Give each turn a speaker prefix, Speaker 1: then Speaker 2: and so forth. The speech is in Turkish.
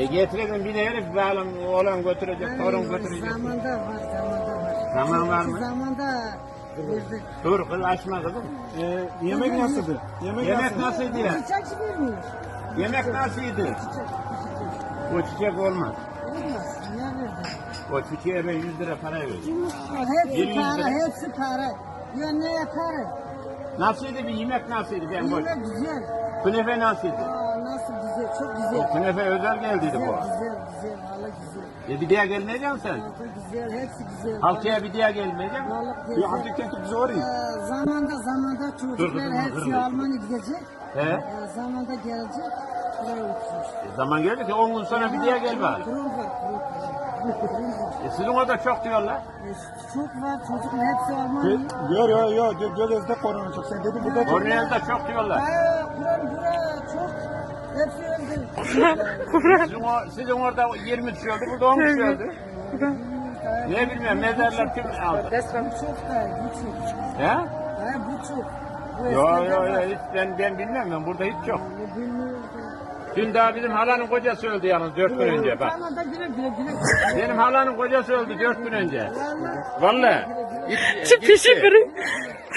Speaker 1: Getirelim bir de herif bağlam oğlan götürecek, torun götürecek.
Speaker 2: Zamanda var.
Speaker 1: Zaman var mı?
Speaker 2: Zamanda verdik.
Speaker 1: Dur kız açma kızım.
Speaker 3: Yemek nasıldı?
Speaker 1: Yemek nasıldı ya?
Speaker 2: Çiçek vermiyor.
Speaker 1: Yemek nasıldı? O çiçek olmaz.
Speaker 2: Olmaz. Ne verdi?
Speaker 1: O çiçeğe ben 100 lira para verdim.
Speaker 2: Hepsi
Speaker 1: 100
Speaker 2: para,
Speaker 1: lira.
Speaker 2: hepsi para. Ya ne yaparım?
Speaker 1: Nasıldı bir yemek nasıldı ben boş.
Speaker 2: Yemek güzel.
Speaker 1: Künefe nasıldı?
Speaker 2: Nasıl güzel, çok güzel.
Speaker 1: Künefe özel geldiydi bu.
Speaker 2: Güzel, valla güzel.
Speaker 1: Bir diye gelmeyeceksin sen.
Speaker 2: Çok güzel, hepsi güzel.
Speaker 1: Haftaya bir diye gelmeyeceksin.
Speaker 2: Vallahi
Speaker 3: Bir
Speaker 2: güzel.
Speaker 3: hafta kenti bize orayı.
Speaker 2: Zamanda
Speaker 1: Dur
Speaker 2: çocuklar
Speaker 1: kızım,
Speaker 2: hepsi
Speaker 1: kırma.
Speaker 2: Almanya gidecek.
Speaker 1: He?
Speaker 2: Zamanda gelecek. Buraya oturur.
Speaker 1: Zaman geldi ki 10 gün sonra bir diye gel bari.
Speaker 2: Kurum var.
Speaker 1: Sizin orada çok diyorlar.
Speaker 2: Çok var, çocuklar hepsi Almanya.
Speaker 3: Yo. Gölezde korona çok. Sen dedin burada çok.
Speaker 1: Kornel'de çok diyorlar.
Speaker 2: Kurum çok. Hepsi öldü.
Speaker 1: Sizin orada 20 kişi öldü, burada 10 kişi öldü. Ne bilmem, mezarlar kim aldı?
Speaker 2: Bu çok da, bu çok.
Speaker 1: He?
Speaker 2: Bu çok. Bu
Speaker 1: Yo,
Speaker 2: eskiden var.
Speaker 1: hiç ben bilmem, ben burada hiç yok.
Speaker 2: Bilmiyorum.
Speaker 1: Dün daha bizim halanın kocası öldü yalnız 4 gün önce bak.
Speaker 2: Bana da güle.
Speaker 1: Benim halanın kocası öldü 4 gün önce.
Speaker 2: Vallahi.
Speaker 1: Vallahi.
Speaker 4: Pişi kırın.